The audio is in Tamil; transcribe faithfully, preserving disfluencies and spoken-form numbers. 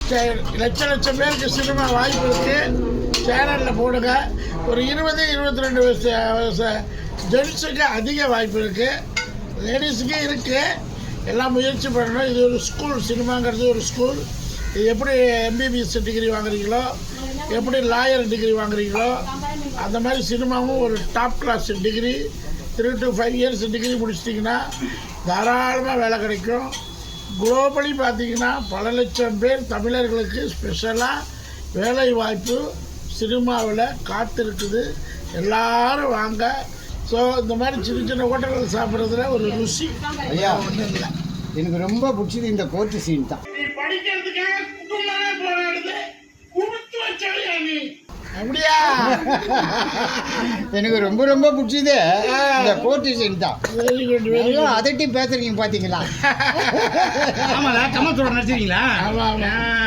லட்ச லட்சம் பேருக்கு சினிமா வாய்ப்பு இருக்குது. சேனலில் போடுங்க. ஒரு இருபது இருபத்தி ரெண்டு வயசு வயசு ஜென்ஸுக்கு அதிக வாய்ப்பு இருக்குது, லேடிஸுக்கு இருக்குது. எல்லாம் முயற்சி பண்ணணும். இது ஒரு ஸ்கூல், சினிமாங்கிறது ஒரு ஸ்கூல். இது எப்படி எம்பிபிஎஸ் டிகிரி வாங்குறீங்களோ, எப்படி லாயர் டிகிரி வாங்குறீங்களோ, அந்த மாதிரி சினிமாவும் ஒரு top class degree. Three to five years degree முடிச்சிட்டிங்கன்னா தாராளமாக வேலை கிடைக்கும். குளோபலி பார்த்தீங்கன்னா பல லட்சம் பேர் தமிழர்களுக்கு ஸ்பெஷலாக வேலை வாய்ப்பு சினிமாவில் காத்திருக்குது. எல்லாரும் வாங்க. ஸோ இந்த மாதிரி சின்ன சின்ன ஹோட்டல்கள் சாப்பிட்றதுல ஒரு ருசி ஐயா ஒன்றும் இல்லை. எனக்கு ரொம்ப பிடிச்சது இந்த கோர்ட்டு சீன் தான். நீ படிக்கிறதுக்காக குடும்பமே போராடுது, குடுத்து வச்சவையா நீ? அப்படியா? எனக்கு ரொம்ப ரொம்ப பிடிச்சது இந்த கோர்ட்டு சீன் தான். Very good, very good. அதட்டி பேசுறீங்க பார்த்தீங்களா? ஆமாடா, கமல் சொல்ற நடிச்சிருக்கீங்களா? ஆமாம் ஆமாம்.